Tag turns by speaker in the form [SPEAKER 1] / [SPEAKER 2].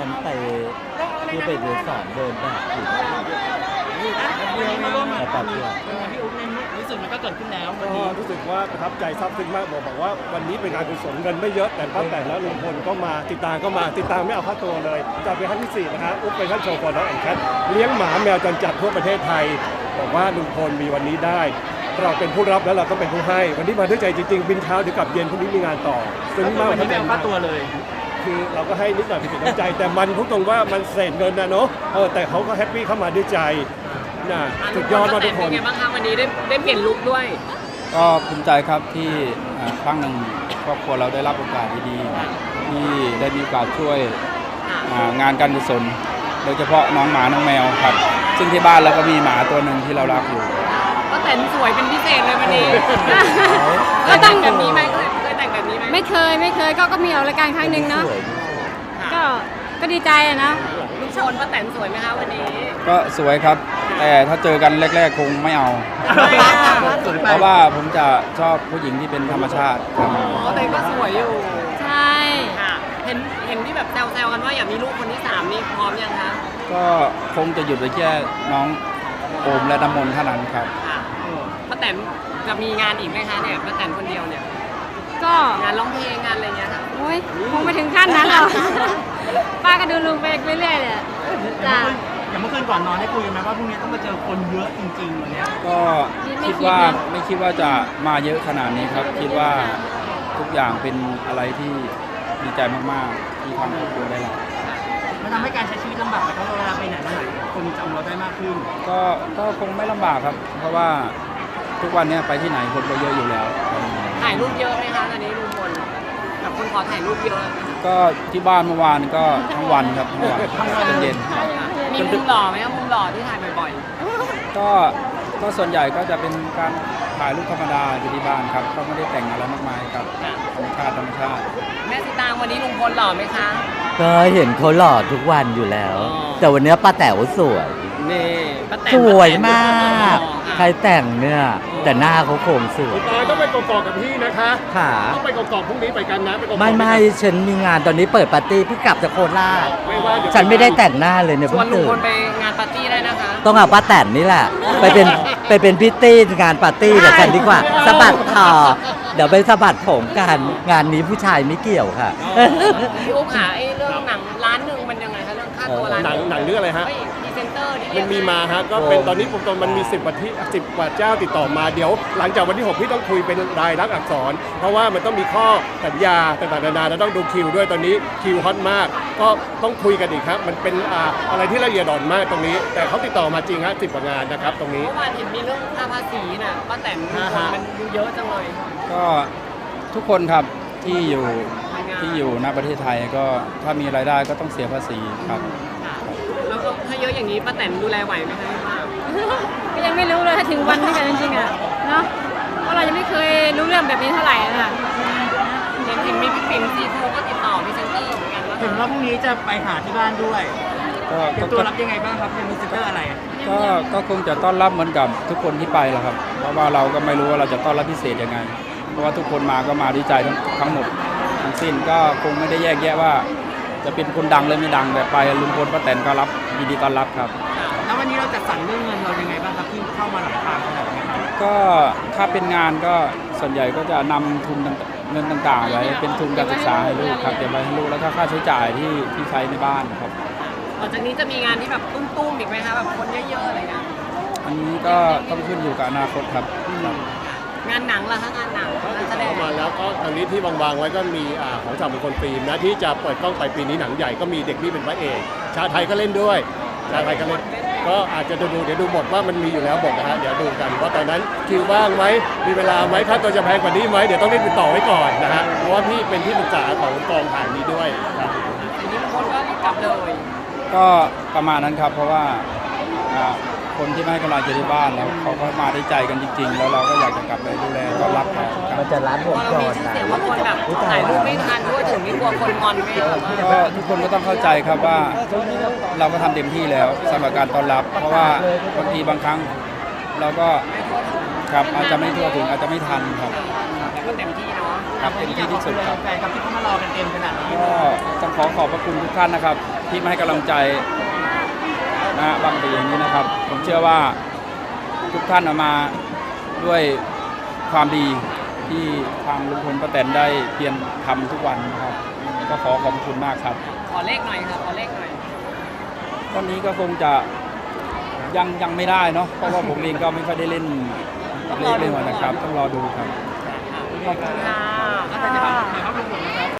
[SPEAKER 1] ไปที่ไปเดินสอนเดินแบบอยู่
[SPEAKER 2] วันนี้มาร่วมงาน
[SPEAKER 1] แต่เดียว
[SPEAKER 2] พี่อุ๊บในรู้สึกมันก็เกิดขึ้นแล้ววัน
[SPEAKER 3] ก็
[SPEAKER 2] นี้
[SPEAKER 3] รู้สึกว่าประทับใจซาบซึ้งมากบอกว่าวันนี้เป็นงานกุศลเงินไม่เยอะแต่ป้าแต่และลุงพลก็มาติดตามไม่เอาค่าตัวเลยจากเป็นครั้งที่ 4นะฮะอุ๊บเป็นท่านโชว์ฟอร์น้องแอนแคทเลี้ยงหมาแมวจรจัดทั่วประเทศไทยบอกว่าลุงพลมีวันนี้ได้เราเป็นผู้รับแล้วเราต้องเป็นผู้ให้วันนี้มาด้วยใจจริงๆบินเช้าเดี๋ยวกลับเย็นพรุ่งนี้มีงานต่อซึ้งมาก
[SPEAKER 2] วันนี้ไม่เอาค่าตัวเลย
[SPEAKER 3] คือเราก็ให้นิดหน่อยเป็นน้ำใจ แต่มันพูดตรงว่ามันเศษเงินนะเนาะแต่เขาก็แฮปปี้เข้ามาด้วยใจนะสุดยอดมากทุกคน
[SPEAKER 4] เป็นไงบ้างคะวันนี้ได้เปลี่ยนลุคด้วย
[SPEAKER 5] ก็ภูมิใจครับที่ครั้งหนึ่งครอบครัวเราได้รับโอกาสดีๆที่ได้มีโอกาสช่วยงานการกุศลโดยเฉพาะน้องหมาน้องแมวครับซึ่งที่บ้านเราก็มีหมาตัวหนึ่งที่เรารักอยู่
[SPEAKER 4] ก็แต่งสวยเป็นพิเศษเลยวันนี้ก็แต่งแบบนี้ไหมเคยแต่งแบบนี้ไหม
[SPEAKER 6] ไม่เคยก็มีออกรายการครั้งหนึ่งเนาะ
[SPEAKER 1] สวย
[SPEAKER 6] ก็ดีใจอะนะ
[SPEAKER 4] ลุคชนป้าแตนสวยไหมคะวันนี้
[SPEAKER 5] ก็สวยครับ แต่ถ้าเจอกันแรกๆคงไม่เอา เพราะว่าผมจะชอบผู้หญิงที่เป็นธรรมชาติครับ
[SPEAKER 4] ก็แต่ก็สวยอยู่
[SPEAKER 6] ใช่
[SPEAKER 4] ค่ะเห็นที่แบบแซวๆกันว่าอยากมีลูกคนที่3นี่พร้อมยังคะ
[SPEAKER 5] ก็คงจะหยุดไว้แค่น้องโอมและน้ำมนต์เท่านั้นครับ
[SPEAKER 4] ค่ะป้าแตนจะมีงานอีกไหมคะเนี่ยป้าแตนคนเดียวเนี่ย
[SPEAKER 6] ก็
[SPEAKER 4] งานร้องเพลงงานอะไรเงี้ยค่ะ
[SPEAKER 6] โอ้ยคงไม่ถึงขั้นนั้นหรอกป้าก็ดูลุงไปเรื่อยๆเลยจ้ะ
[SPEAKER 2] อย่างเมื่อคืนก่อนนอนได้คุยกันไหมว่าพรุ่งนี้ต้องมาเจอคนเยอะจริงๆวันเนี้ย
[SPEAKER 5] ก็คิดว่าไม่คิดว่าจะมาเยอะขนาดนี้ครับ คิดว่าทุกอย่างเป็นอะไรที่ดีใจมากๆที่ทางครอบครัวได้รับ
[SPEAKER 2] มันทำให้การใช้ชีวิตลำบากไหมเพราะเวลาไปไหนมาไหนคนจำเราได้มากขึ้น
[SPEAKER 5] ก็คงไม่ลำบากครับ เพราะว่าทุกวันนี้ไปที่ไหนคนก็เยอะอยู่แล้ว
[SPEAKER 4] ถ่ายรูปเยอะไหมคะตอนนี้ลุงพลแบบคนขอถ่ายรูปเยอะ
[SPEAKER 5] ก็ที่บ้านเมื่อวานก็ทั้งวันครับทั้งวันจนเย็น
[SPEAKER 4] มีมุมหล่อไหมคะมุมหล่อที่ถ่ายบ่อย
[SPEAKER 5] ก็ส่วนใหญ่ก็จะเป็นการถ่ายรูปธรรมดาอยู่ที่บ้านครับก็ไม่ได้แต่งอะไรมากมายครับ
[SPEAKER 4] ๆค่ะ
[SPEAKER 5] ธรรมชาติ
[SPEAKER 4] แม่สิตางวันนี้ลุงพลหล่อไหมคะ
[SPEAKER 1] ก็เห็นเขาหล่อทุกวันอยู่แล้ว
[SPEAKER 4] อ๋อ
[SPEAKER 1] แต่วันนี้ป้าแต๋วสวย
[SPEAKER 4] นี่ป้าแตน
[SPEAKER 1] สวยมาก
[SPEAKER 4] ค่ะ
[SPEAKER 1] ใครแต่งเนี่ยแต่หน้าเขาโครงสวย
[SPEAKER 3] ตายต้องไปกอกๆกับพี่นะคะ
[SPEAKER 1] ค่ะ
[SPEAKER 3] ต้องไปกอกๆพรุ่งนี้ไปกันนะไปกอกๆ
[SPEAKER 1] ไม่ฉันมีงานตอนนี้เปิดปาร์ตี้เพิ่งกลับจากโคราช
[SPEAKER 3] ไม่ว่าเดี๋ยว
[SPEAKER 1] ฉันไม่ได้แต่งหน้าเลยเนี่ย
[SPEAKER 4] ช
[SPEAKER 1] เพิ่
[SPEAKER 4] วน
[SPEAKER 1] ง
[SPEAKER 4] ลุง
[SPEAKER 1] ตื่
[SPEAKER 4] พ
[SPEAKER 1] น
[SPEAKER 4] ลไปงานปาร์ตี้ได้นะคะ
[SPEAKER 1] ต้องเอาป้าแตนนี่แหละ ไปเป็นพิตตี้งานปาร์ตี้กับกันดีกว่าสะบัดคอเดี๋ยวไปสะบัดผมกันงานนี้ผู้ชายไม่เกี่ยวค่ะ
[SPEAKER 4] พี่อุ๊บค่ะไอ้เรื่องหนังล้านหนึ่งมันยังไงคะเรื่องค่าตัวล้าน
[SPEAKER 3] หนังเรื่องอะไรฮะ
[SPEAKER 4] เฮ้ยพรีเซนเตอร์ที่
[SPEAKER 3] มันมีมาฮะก็เป็นตอนนี้ผมตอนมันมี10กว่าเจ้าติดต่อมาเดี๋ยวหลังจากวันที่ 6 พี่ต้องคุยเป็นรายลักษณ์อักษร เพราะว่ามันต้องมีข้อสัญญาต่างๆนานาแล้วต้องดูคิวด้วยตอนนี้คิวฮอตมาก ก็ต้องคุยกันอีกครับ มันเป็นอะไรที่ละเอียดอ่อนมากตรงนี้ แต่เขาติดต่อมาจริงฮะ10 กว่างานนะครับตรงนี้
[SPEAKER 4] เมื่อวานเห็นมีเรื่องค่าภาษีน่ะป้าแตนมันดูเยอะจังเลย
[SPEAKER 5] ก็ทุกคนครับที่อยู่ณประเทศไทยก็ถ้ามีรายได้ก็ต้องเสียภาษีครับ
[SPEAKER 4] ค่ะแล้วก็ถ้าเยอะอย่างนี้ป้าแตนดูแลไหวไหมคะพี่ว่า
[SPEAKER 6] ก็ยังไม่รู้เลยถ้าถึงวันนี้กันจริงๆอะเนาะเพราะเรายังไม่เคยรู้เรื่องแบบนี้เท่าไหร่อะค่ะ
[SPEAKER 4] เห็นมีพี่ปิ่นซีทูก็ติดต่อพรีเซนเตอร์เหมือนกันว่า
[SPEAKER 2] เห็นว่าพรุ่งนี้จะไปหาที่บ้านด้วย
[SPEAKER 5] ก็
[SPEAKER 2] เตรียมตัวรับยังไงบ้างครับเป็นมิสเตอร์อะไร
[SPEAKER 5] ก็คงจะต้อนรับเหมือนกับทุกคนที่ไปแหละครับ เพราะว่าเราก็ไม่รู้ว่าเราจะต้อนรับพิเศษยังไง เพราะว่าทุกคนมาก็มาดีใจทั้งหมดทั้งสิ้นก็คงไม่ได้แยกแยะว่า จะเป็นคนดังหรือไม่ดังแต่ไปลุงพลป้าแตนก็รับยินดีต้อนรับครับ
[SPEAKER 2] แล้ววันนี้เราจะสั่งเรื่องเงินเรายังไงบ้างครับที่เข้ามาหลังทางขนาดนี้ครับ
[SPEAKER 5] ก็ถ้าเป็นงานก็ส่วนใหญ่ก็จะนำทุนเงินต่างๆไว้เป็นทุนการศึกษาให้ลูกครับเก็บไว้ให้ลูกแล้วก็ค่าใช้จ่ายที่ใช้ในบ้านครับ
[SPEAKER 4] หลังจากนี้จะมีงานที่แบบตุ้มๆอีกไหมคะแบบคนเยอะๆอะไรเงี้ย
[SPEAKER 5] อันนี้ก็ต้องขึ้นอยู่กับอนาคตครับ
[SPEAKER 4] งานหนังล่ะคะงานหนังงานแสดง
[SPEAKER 3] เข้ามาแล้วก็ทางนี้ที่วางๆไว้ก็มีของสามมงคลฟิล์มนะที่จะเปิดกล้องไปปีนี้หนังใหญ่ก็มีเด็กนี่เป็นพระเอกชาไทยก็เล่นด้วยชาไทยก็เล่นก็อาจจะเดี๋ยวดูบทว่ามันมีอยู่แล้วบทนะฮะเดี๋ยวดูกันว่าตอนนั้นคิวว่างไหมมีเวลาไหมค่าตัวจะแพงกว่านี้ไหมเดี๋ยวต้องรีบติดต่อไว้ก่อนนะฮะเพราะว่าพี่เป็นที่ปรึกษาของกองถ่ายนี้ด้วยครับ
[SPEAKER 4] อันนี้คนก็กลับเลย
[SPEAKER 5] ก็ประมาณนั้นครับเพราะว่าคนที่ไม่ให้กำลังใจที่บ้านแล้วเขาก็มาได้ใจกันจริง ๆ แล้วเราก็อยากจะกลับไปดูแลต้อนรับเขาครับ
[SPEAKER 1] มันจะร้านว
[SPEAKER 4] พ
[SPEAKER 1] ง
[SPEAKER 4] อเรา
[SPEAKER 1] จ
[SPEAKER 4] มี
[SPEAKER 1] ร
[SPEAKER 4] ชื่อ
[SPEAKER 1] นะ
[SPEAKER 4] เสียงว่าคนแบบถ่ายรูปไม่ทันด้วยถึงนี่กลัวคนงอนไหมคะ
[SPEAKER 5] ก็ทุกคนก็ต้องเข้าใจครับว่าเราก็ทำเต็มที่แล้วสำหรับการต้อนรับ เพราะว่าบางทีบางครั้งเราก็ครับอาจจะไม่ทั่วถึงอาจจะไม่ทันครับ
[SPEAKER 4] แต่ก็เต็มที่เนาะ
[SPEAKER 5] ครับเต็มที่ที่สุดครับ
[SPEAKER 2] แฟนครับที่เขามารอกันเต็มขนาดนี้
[SPEAKER 5] ก็ต้องขอบพระคุณทุกท่านนะครับที่มาให้กำลังใจนะบางปีอย่างนี้นะครับ ผมเชื่อว่าทุกท่านมาด้วยความดีที่ทางลุงพลป้าแตนได้เพียรทำทุกวันนะครับ ก็ขอขอบคุณมากครับ
[SPEAKER 4] ขอเลขหน่อยค่ะขอเลขหน่อย
[SPEAKER 5] วันนี้ก็คงจะยังไม่ได้เนาะเพราะว่าผมเองก็ไม่ค่อยได้เล่นเลขเลยนะครับ ต้องรอดูครับ
[SPEAKER 4] ขอบคุณค่ะ